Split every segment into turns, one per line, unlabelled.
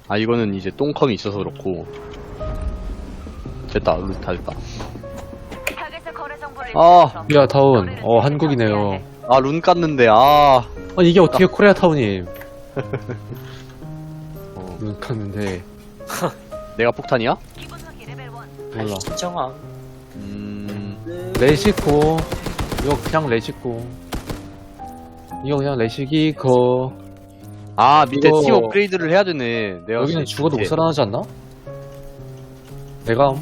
아 이거는 이제 똥컴이 있어서 그렇고. 됐다. 다 됐다. 아,
코리아타운. 한국이네요.
아 룬 깠는데 아.
이게 어떻게 코리아타운이. 룬 깠는데.
내가 폭탄이야?
몰라.
신청함.
레시코. 이거 그냥 레시코. 이거 그냥 레시기코.
아 밑에
이거-
팀 업그레이드를 해야 되네. 내가
여기는 죽어도 못 살아나지 않나? 내가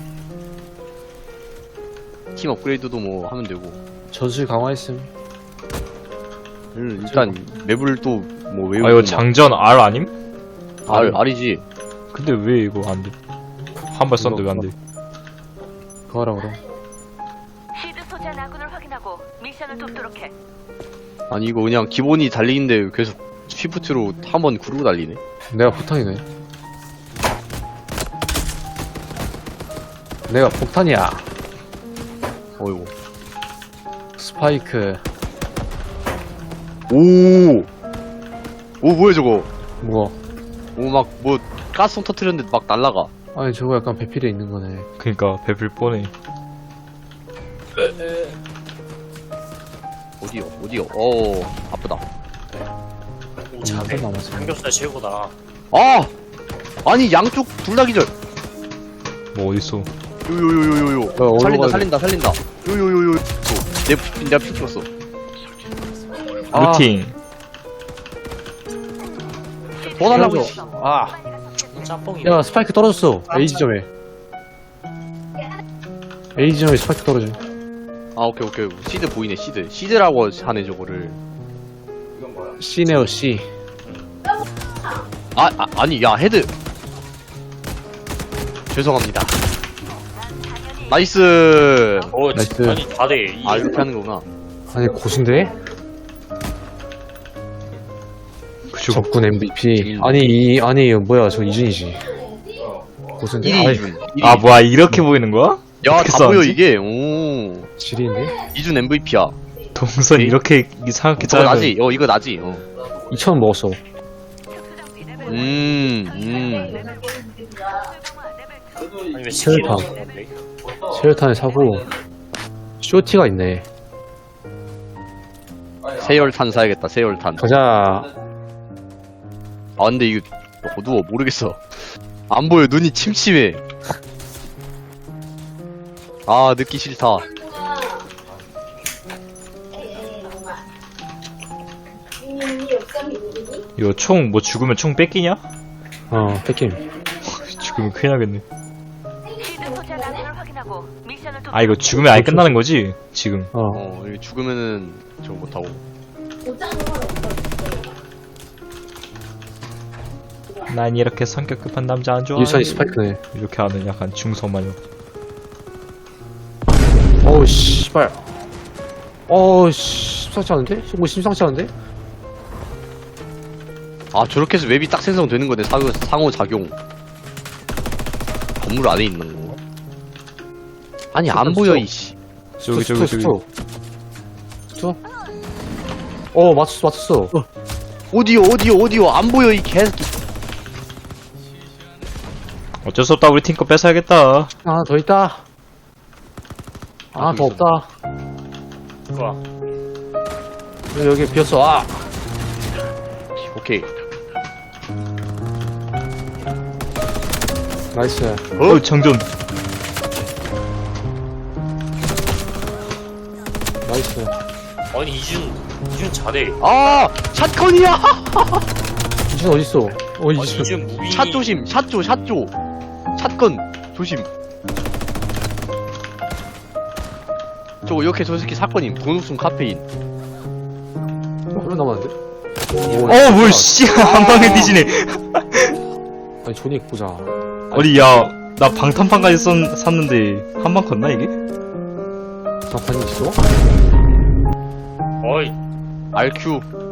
팀 업그레이드도 뭐 하면 되고.
전술 강화했음.
일단 맵을 또 뭐 외우고.
아 이거 장전 R 아님?
R이지.
근데 왜 이거 안 돼? 한 발 썼는데 왜 안 돼?
그거 하라 그럼.
시드 소재한 아군을 확인하고 미션을 돕도록 해.
아니 이거 그냥 기본이 달리기인데 계속 쉬프트로 한번 구르고 달리네.
내가 폭탄이네. 내가 폭탄이야.
어이구.
스파이크.
오 뭐야 저거.
뭐?
오 막 뭐 가스통 터트렸는데 막 날라가.
아니 저거 약간 배필에 있는 거네.
그니까 배불 뻔해.
어디요? 아프다.
한번 남았어.
삼겹살 최고다.
아! 아니 양쪽 둘 다 기절.
뭐 어딨어?
요요요요요.
어디로 가야
살린다. 요요요요. 내가 피 찍었어.
루팅.
더 달라고.
그래서-
씨. 아.
짬뽕이.
야 스파이크 떨어졌어. A 지점에. A 지점에 스파이크 떨어져.
아 오케이. 시드 보이네 시드. 시드라고 하네 저거를.
C네요 C.
아니 야 헤드. 죄송합니다. 나이스.
나이스.
아니 다돼.
아 이렇게 하는 거구나.
아니 고수인데?
그죠?
적군 MVP. 아니 뭐야 저 이준이지. 고수인데?
1위
아이,
이준.
아 뭐야 이렇게 보이는 거야?
야
어떻게
다 보여
싸웠지?
이게. 오.
지리인데?
이준 MVP야.
동선 이렇게 이상하게
저거
짜면
나지? 이거 나지?
2,000원 먹었어.
아니 왜
체열탄.
시키는
체열탄을 사고 쇼티가 있네.
세열탄 사야겠다. 세열탄.
가자.
아 근데 이거 어두워 모르겠어. 안 보여. 눈이 침침해. 아 늦기 싫다.
이거 총 뭐 죽으면 총 뺏기냐?
뺏김.
죽으면 큰일 나겠네.
시드 소재한 아군을 확인하고 미션을 돕도록
아 이거 죽으면 아예 끝나는 거지? 지금.
이거 죽으면은 저거 못하고.
난 이렇게 성격 급한 남자 안 좋아해.
일선이 스파이크네.
이렇게 하는 약간 중성 마녀.
어우 씨발. 심상치 않은데? 뭐 심상치 않은데?
아 저렇게 해서 웹이 딱 생성되는 거네. 상호작용. 건물 안에 있는 건가? 아니 안 보여 이씨.
저기.
스투. 맞췄어.
어디요 안 보여 이 개새끼.
어쩔 수 없다. 우리 팀 거 뺏어야겠다.
하나 더 있다. 하나 더 없다.
좋아.
여기 비었어.
오케이.
나이스.
정전.
나이스.
아니 이준 잘해.
아 샷건이야.
이준 어딨어?
아니
이준.
이준 무빙이.
샷 조심. 샷조. 샷건 조심. 저거 이렇게 저 새끼 사건임. 돈옥순 카페인.
얼마 남았는데?
뭘 씨. 한 방에 뒤지네.
아니 조닉 보자.
어디 나 방탄판까지 샀는데 한 방 컸나 이게?
장판이 있어?
어이
RQ